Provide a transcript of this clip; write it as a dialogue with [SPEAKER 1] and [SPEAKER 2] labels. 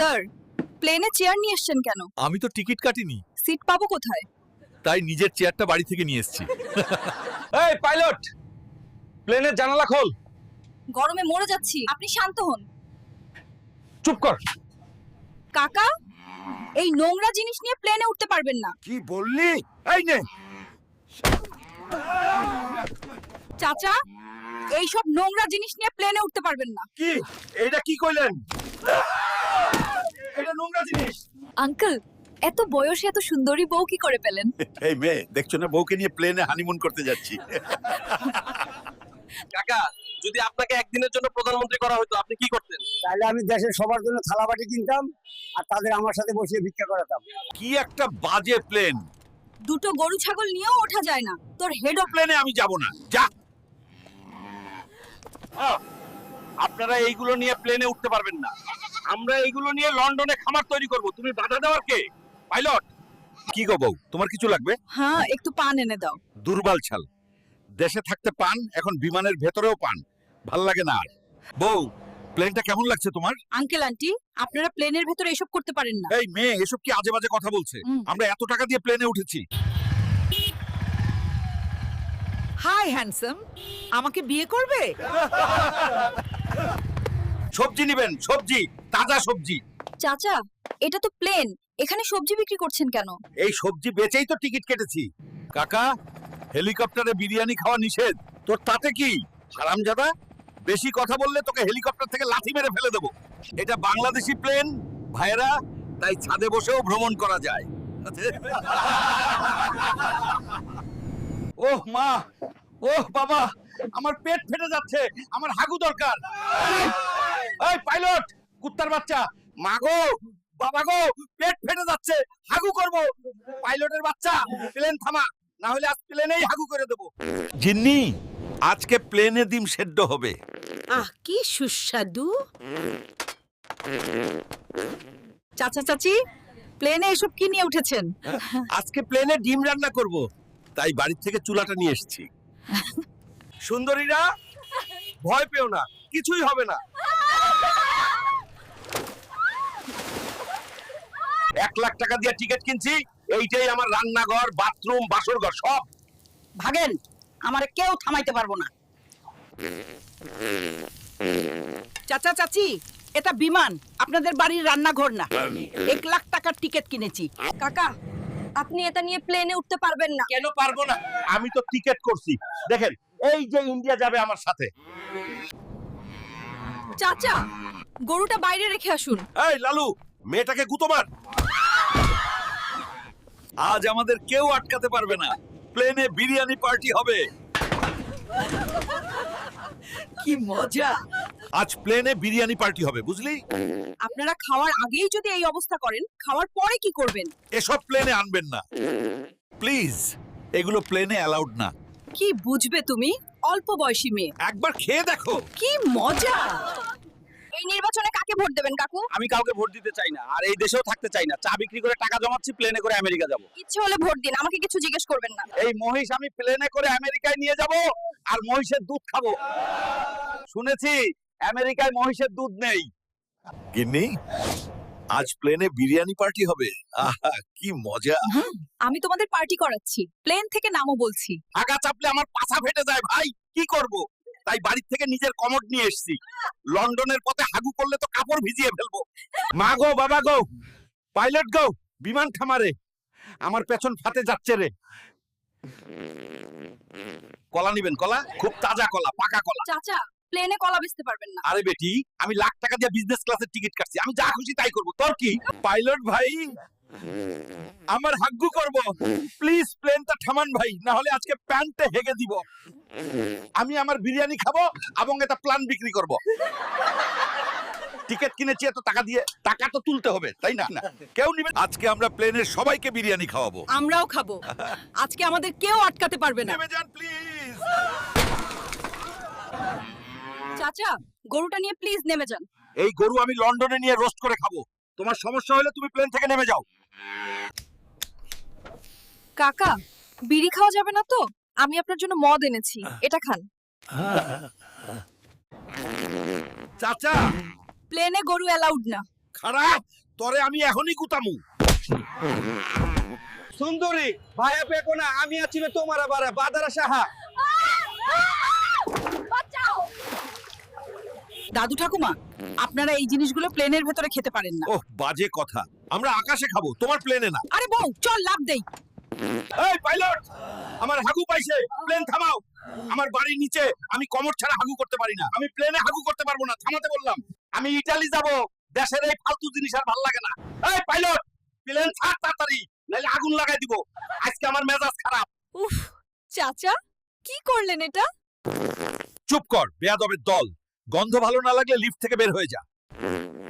[SPEAKER 1] Sir, প্লেনে chair নিয়ে এসেছেন কেন?
[SPEAKER 2] আমি তো টিকিট কাটিনি,
[SPEAKER 1] সিট পাবো কোথায়?
[SPEAKER 2] তাই নিজের চেয়ারটা বাড়ি থেকে নিয়ে এসেছি।
[SPEAKER 3] এই পাইলট, প্লেনের জানালা খোল।
[SPEAKER 1] গরমে মরে যাচ্ছি, আপনি শান্ত হন।
[SPEAKER 3] চুপ কর।
[SPEAKER 1] কাকা, এই নোংরা জিনিস নিয়ে প্লেনে উঠতে পারবেন না।
[SPEAKER 3] কি বললি? এই নে।
[SPEAKER 1] চাচা, এই সব নোংরা জিনিস নিয়ে প্লেনে উঠতে পারবেন না।
[SPEAKER 3] কি এটা কি কইলেন? এটা নোংরা জিনিস।
[SPEAKER 1] আঙ্কেল, এত বয়সে এত সুন্দরী বউ কি করে পেলেন?
[SPEAKER 2] এই মেয়ে, দেখছো না বউকে নিয়ে প্লেনে হানিমুন করতে যাচ্ছি।
[SPEAKER 3] কাকা, যদি আপনাকে একদিনের জন্য প্রধানমন্ত্রী করা হতো আপনি কি করতেন?
[SPEAKER 4] তাহলে আমি দেশের সবার জন্য থালাবাটি কিনতাম আর তাদের আমার সাথে বসিয়ে ভিক্ষা করাতাম।
[SPEAKER 2] কি একটা বাজে প্লেন!
[SPEAKER 1] দুটো গরু ছাগল নিয়েও ওঠা যায় না, তোর হেড অফ।
[SPEAKER 2] প্লেনে আমি যাব না, যা।
[SPEAKER 3] আপনারা এইগুলো নিয়ে প্লেনে উঠতে পারবেন না। আমরা এইগুলো নিয়ে লন্ডনে খামার তৈরি করব। তুমি বাধা দেওয়ার কে? পাইলট।
[SPEAKER 2] কি গো বউ, তোমার কিছু লাগবে?
[SPEAKER 1] হ্যাঁ, একটু পান এনে দাও।
[SPEAKER 2] দুর্বল ছাল, দেশে থাকতে পান, এখন বিমানের ভেতরেও পান, ভাল লাগে না আর। বউ, প্লেনটা কেমন লাগছে তোমার?
[SPEAKER 1] আঙ্কেল আন্টি, আপনারা প্লেনের ভেতরে এসব করতে পারেন না।
[SPEAKER 2] এই মেয়ে, এসব কি আজে বাজে কথা বলছে? আমরা এত টাকা দিয়ে প্লেনে উঠেছি।
[SPEAKER 5] হাই হ্যান্ডসাম, আমাকে বিয়ে করবে?
[SPEAKER 2] সবজি নিবেন? সবজি, তাজা সবজি।
[SPEAKER 1] চাচা, এটা তো প্লেন, এখানে সবজি বিক্রি করছেন কেন?
[SPEAKER 2] এই সবজি বেচেই তো টিকিট কেটেছি। কাকা, হেলিকপ্টারে বিরিয়ানি খাওয়া নিষেধ, তোর তাতে কি? হারামজাদা, বেশি কথা বললে তোকে হেলিকপ্টার থেকে লাথি মেরে ফেলে দেবো। এটা বাংলাদেশি প্লেন ভাইরা, তাই ছাদে বসেও ভ্রমণ করা যায়। ওহ মা, ওহ বাবা, আমার পেট ফেটে যাচ্ছে, আমার হাগু দরকার। এই পাইলট, কুত্তার বাচ্চা, মা গো, বাবা গো, পেট ফেটে যাচ্ছে, হাগু করব। পাইলটের বাচ্চা, প্লেন থামা, না হলে আজ প্লেনেই হাগু করে দেব। জিন্নি, আজকে প্লেনে ডিম সেদ্ধ হবে।
[SPEAKER 5] আহ, কি সুস্বাদু।
[SPEAKER 1] চাচা চাচি, প্লেনে এসব কি নিয়ে উঠেছেন?
[SPEAKER 2] আজকে প্লেনে ডিম রান্না করব, তাই বাড়ি থেকে চুলাটা নিয়ে এসেছি।
[SPEAKER 3] সুন্দরীরা, ভয় পেও না, কিছুই হবে না।
[SPEAKER 2] 1,00,000 টাকা দিয়ে টিকিট কিনছি, এইটাই আমার রান্নাঘর, বাথরুম, বাসরঘর সব।
[SPEAKER 5] ভাগেন, আমারে কেউ থামাইতে পারবো না। চাচা চাচি, এটা বিমান, আপনাদের বাড়ির রান্নাঘর না। 1,00,000 টাকার টিকিট কিনেছি।
[SPEAKER 1] কাকা, আপনি এটা নিয়ে প্লেনে উঠতে পারবেন না।
[SPEAKER 2] কেন পারবো না? আমি তো টিকিট করছি। দেখেন, এই যে ইন্ডিয়া যাবে আমার সাথে।
[SPEAKER 1] চাচা, গরুটা বাইরে রেখে আসুন।
[SPEAKER 2] এই লালু, মেয়েটাকে গুতো মার। আজ আমাদের কেউ আটকাতে পারবে না, প্লেনে বিরিয়ানি পার্টি হবে।
[SPEAKER 5] কি মজা।
[SPEAKER 2] আজ প্লেনে বিরিয়ানি পার্টি হবে, বুঝলি?
[SPEAKER 1] আপনারা খাওয়ার আগেই যদি এই অবস্থা করেন, খাওয়ার পরে কি করবেন?
[SPEAKER 2] এসব প্লেনে আনবেন না প্লিজ, এগুলো প্লেনে অ্যালাউড না।
[SPEAKER 1] কি বুঝবে তুমি, অল্প বয়সী মেয়ে।
[SPEAKER 2] একবার খেয়ে দেখো।
[SPEAKER 1] কি মজা। এই নির্বাচনে কাকে ভোট দেবেন কাকু?
[SPEAKER 3] আমি কাউকে ভোট দিতে চাই না, আর এই দেশেও থাকতে চাই না। চা বিক্রি করে টাকা জমাচ্ছি, প্লেনে করে আমেরিকা যাব।
[SPEAKER 1] ইচ্ছে হলে ভোট দিন, আমাকে কিছু জিজ্ঞেস করবেন না।
[SPEAKER 3] এই মহিষ আমি প্লেনে করে আমেরিকায় নিয়ে যাব, আর মহিষের দুধ খাবো। শুনেছি আমেরিকায় মহিষের দুধ নেই।
[SPEAKER 2] গিন্নি, আজ প্লেনে বিরিয়ানি পার্টি হবে। আহা, কি মজা।
[SPEAKER 1] আমি তোমাদের পার্টি করাচ্ছি, প্লেন থেকে নামও বলছি।
[SPEAKER 2] আগা চাপলে আমার পাছা ফেটে যায় ভাই, কি করব? তাই বাড়ি থেকে নিজের কমোড নিয়ে এসেছি। লন্ডনের পথে হাগু করলে তো কাপড় ভিজিয়ে ফেলবো।
[SPEAKER 3] মা গো, বাবা গো, পাইলট গো, বিমান থামারে, আমার পেছন ফাটে যাচ্ছে রে।
[SPEAKER 2] কলা নিবেন? কলা, খুব তাজা কলা, পাকা কলা।
[SPEAKER 1] চাচা, প্লেনে কলা বেচতে পারবেন না।
[SPEAKER 2] আরে বেটি, আমি লাখ টাকা দিয়ে বিজনেস ক্লাসের টিকিট কাটছি, আমি যা খুশি তাই করব, তোর কি?
[SPEAKER 3] পাইলট ভাই, আমার হাগ্গু করব, প্লিজ প্লেনটা থামান ভাই, না হলে আজকে প্যান্টে হেগে দিব।
[SPEAKER 2] আমি আমার বিরিয়ানি খাবো এবং এটা প্ল্যান বিক্রি করব। টিকিট কিনেছি এত টাকা দিয়ে, টাকা তো তুলতে হবে, তাই না? কেউ নিবে। আজকে আমরা প্লেনের সবাইকে বিরিয়ানি খাওয়াবো।
[SPEAKER 1] আমরাও খাবো। আজকে আমাদের কেউ আটকাতে পারবে না।
[SPEAKER 2] নেমে যান প্লিজ।
[SPEAKER 1] চাচা, গরুটা নিয়ে প্লিজ নেমে যান।
[SPEAKER 2] এই গরু আমি লন্ডনে নিয়ে রোস্ট করে খাবো। তোমার সমস্যা হলে তুমি প্লেন থেকে নেমে যাও।
[SPEAKER 1] কাকা, বিড়ি খাওয়া যাবে না তো? আমি আপনার জন্য মদ এনেছি, এটা খান।
[SPEAKER 2] চাচা,
[SPEAKER 1] প্লেনে গরু অ্যালাউড না।
[SPEAKER 2] খারাপ তরে আমি এখনই গুতামু।
[SPEAKER 3] সুন্দরী ভাইয়া পেকো না, আমি আছি রে তোমার আবার বাদারা সাহা।
[SPEAKER 1] দাদু ঠাকুমা, আপনারা এই জিনিসগুলো প্লেনের ভেতরে খেতে পারেন না।
[SPEAKER 2] ওহ বাজে কথা, আমরা আকাশে খাবো, তোমার প্লেনে না।
[SPEAKER 1] আরে বউ, চল লাভ দেই।
[SPEAKER 2] এই পাইলট, আমার হাগু পাইছে, প্লেন থামাও। আমার বাড়ির নিচে আমি কমর ছাড়া হাগু করতে পারি না, আমি প্লেনে হাগু করতে পারবো না, থামাতে বললাম। আমি ইতালি যাব, দেশের এই ফালতু জিনিস আর ভালো লাগে না। এই পাইলট, প্লেন ছাড় তাড়াতাড়ি, নাহলে আগুন লাগাই দিব। আজকে আমার মেজাজ খারাপ।
[SPEAKER 1] উফ, চাচা কি করলেন এটা?
[SPEAKER 2] চুপ কর বেয়াদবের দল, গন্ধ ভালো না লাগলে লিফট থেকে বের হয়ে যা।